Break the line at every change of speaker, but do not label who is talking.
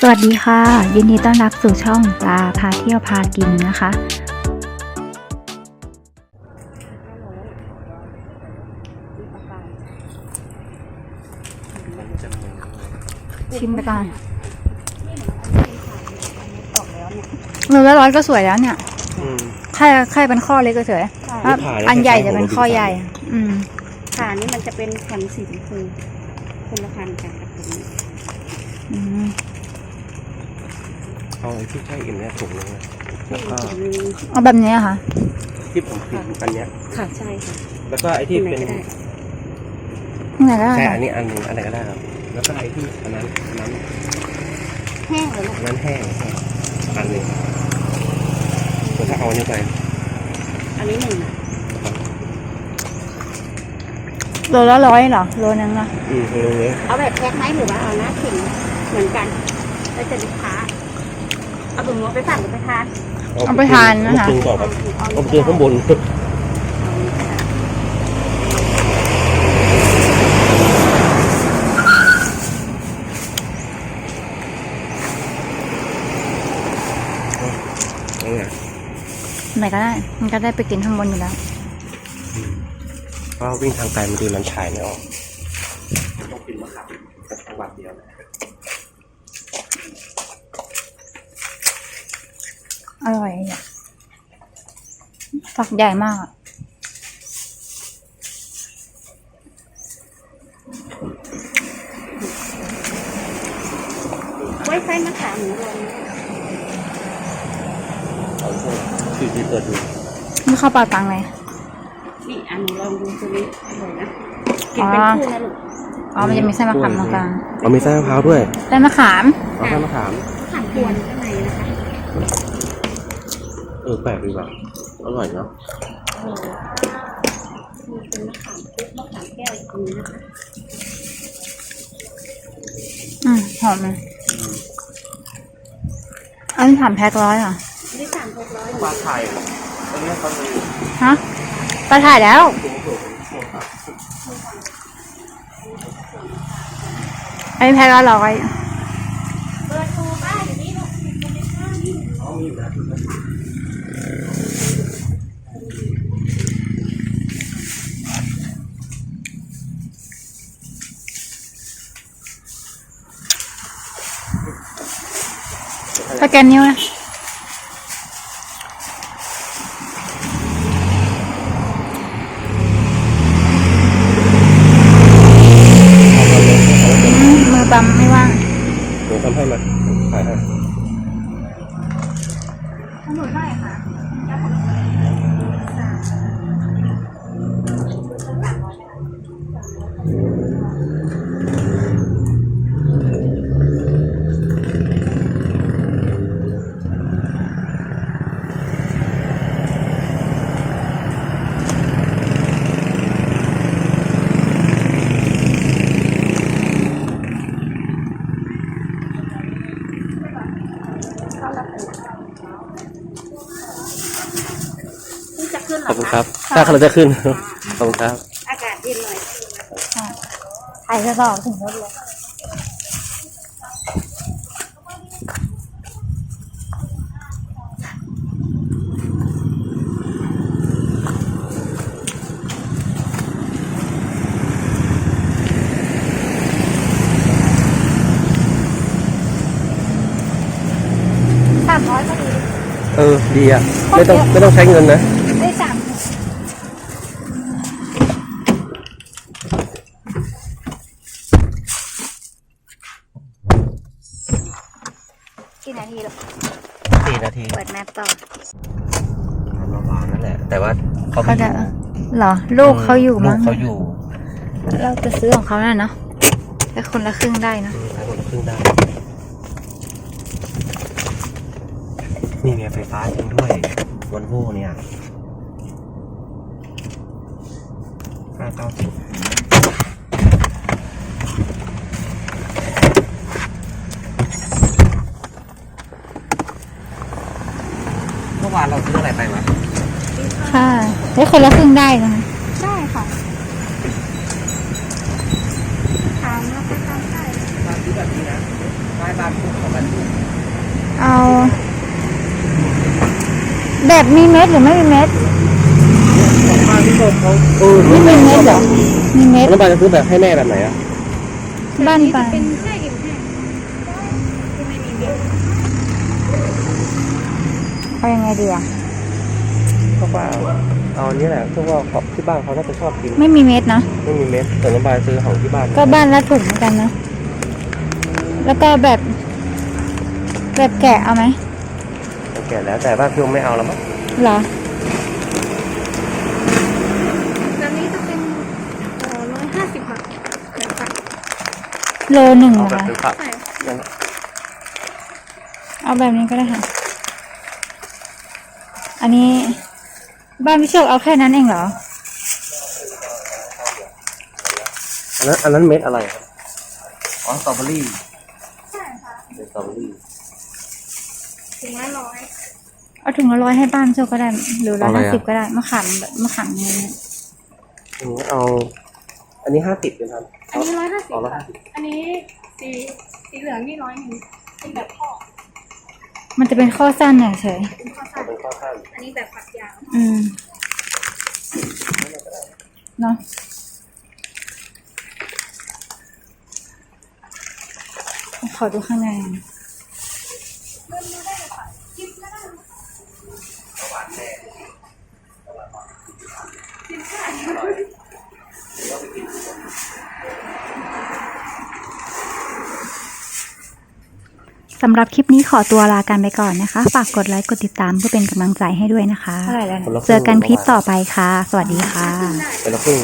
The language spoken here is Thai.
สวัสดีค่ะยินดีต้อนรับสู่ช่องปลาพาเที่ยวพากินนะคะชิมไปก่อนมือละร้อยก็สวยแล้วเนี่ยแค่เป็นข้อเล็กก็สวยอันใหญ่จะเป็นข้อใหญ่
ขานี่มันจะเป็นพันธุ์สีชมพูคนละพันธุ์กันกับตัวนี้
เอาไอ้ที่ใช่อิ่มเนี่ยถุงนึงนะแล้วก็
เอาแบบนี้ค่ะ
ที่ผมกินอันเนี้ย
ค่ะใช่ค่ะ
แล้วก็ไอ้ที่เป็น
ไหนก็ได้
แค่อันนี้อันนึงอันไหนก็ได้ครับแล้วก็ไอ้ที่อันนั้น
แห้งเลย
อันนั้นแห้งอันนึงแล้วถ้าเอาอันนี้ไป
อันนี้หนึ่ง
โลละ100เหรอโลนึงนะ
โลเลย
เอาแบบแพ็คไหมหรือว่าเอาหน้าขิงเหมือนกันแล้วจะลูกค้าเอาถุงมือไปสั่งหรือไปทาน
เอาไปทานนะคะ
เอาไปต่อครับเอาไปข้างบน
ไหนก็ได้มันก็ได้ไปกินข้างบนอยู่แล้ว
เพราะวิ่งทางไกลมันดูลำชายไม่ออกต้องกินมะขามจังหวัดเดียว
อร่อยอ่ะฝักใหญ่มากอ่ะ
ไว้ไส้มะขามหมูรวม
ที่เปิดดู
ไม่เข้าปากตังเลย
นี่อันนี้ลองดูตัวนี้อร่อยนะกินเป็นคู่นะลูก
มันจะมีไส้มะขามตรงกลาง
มีไส้มะพร้าวด้วย
ไส้มะขาม
ไส้มะขาม
กวนข้างในนะคะ
แปลกดีว่ะอร่อยเนาะ
มีเป็นมะขามปุ๊บมะขามแก้วตรงนี้นะคะ
หอมเลยอันนี้3 แพ็ค100เหรอ
นี่3 แพ็ค100
ปลาไทยตอนนี้เขาเลย
ฮะปลาถ่ายแล้วอันนี้แพ็คละ100
เปิดตูบ้านอยู่นี่ลูก
มีอยู่นะ
สแกนนิ้วนะมือปั๊มไม่ว่าง
เดี๋ยวทำให้มาถ่ายให้
หนูได้ค่ะ
ขอบคุณครับถ้าเราจะขึ้นขอบคุณครับ
อากาศเย็นหน่อย
ถ่ายจะต่อถึงรถเลย300ก็ดี
ดีอ่ะไม่ต้องใช้เงินนะ
ได้3กี่นาทีหรอ
4 นาที
เปิดแมปต่อ
ประมาณนั่นแหละแต่ว่าเขา
จะเหรอลูกเขาอยู่มั้ง
เขาอยู่
เราจะซื้อของเขาน่ะเนาะแต่คนละครึ่งได้นะ
คนละครึ่งได้นี่ไงไฟฟ้าจริงด้วยวันโว่เนี่ย590เมื่อวานเราซื้ออะไรไปวะ
ค่ะได้คนละครึ่งได้นะ
ได้ค่ะถามแล้วก็ทำได้
ซื้อแบบนี้นะได้บ้านพวกของมัน
แบบมีเม็ดหรือไม่มีเม็ด
ของบ้านที่เขา
ไม่มีเม็ดเหรอมีเม็ด
แล้วบ้านจะซื้อแบบให้แม่แบบไหนอ่ะ
บ้านปลา
เป็นแช่อิ่มแห้งที่ไม่มีเม็ด
เอายังไงดีอ่ะ
ก็ว่าเอาอันนี้แหละเพราะว่าที่บ้านเขาน่าจะชอบกิน
ไม่มีเม็ดนะ
ไม่มีเม็ดแต่น้องบายซื้อของที่บ้าน
ก็บ้านละถุงเหมือนกันนะแล้วก็แบบแกะเอาไหม
แก่แล้วแต่บ้านพี่ไม่เอาแล้วมั้ง
เหรอ
ตอนนี้จะเป็น150 บาทแบบฝัก
โลหนึ่ง
เอา
เหรอ
แบบ
คะ
เป็นฝัก
ใช่
นั่น
เอาแบบนี้ก็ได้ค่ะ อันนี้บ้านพี่โชคเอาแค่นั้นเองเหรอ
อันนั้นเม็ดอะไรครับอ๋อสตรอเบอรี่
ใช่ค่ะ
เป็นสตรอเบอรี่
ถึงละร้อย
เอาถุงละ100ให้บ้านพี่โชคก็ได้หรือ150ก็ได้มะขามแบบมะขามเงี้ย
เอาอันนี้50เป็นครับ
อันนี้150
อ๋อ
ค่ะอันนี้สีเหลืองนี่100เป็นแบบพ่อ
มันจะเป็นข้อสั้นเฉย
เป็นข้อ
เอา
สั้น
เป็นข้อข้าง
อันนี้แบบฝักยาว
เนาะขอดูข้างในสำหรับคลิปนี้ขอตัวลากันไปก่อนนะคะ ฝากกดไลค์กดติดตามเพื่อเป็นกำลังใจให้ด้วยนะคะ เจอกันคลิปต่อไปค่ะ สวัสดีค่ะ
เป็นละครึ่ง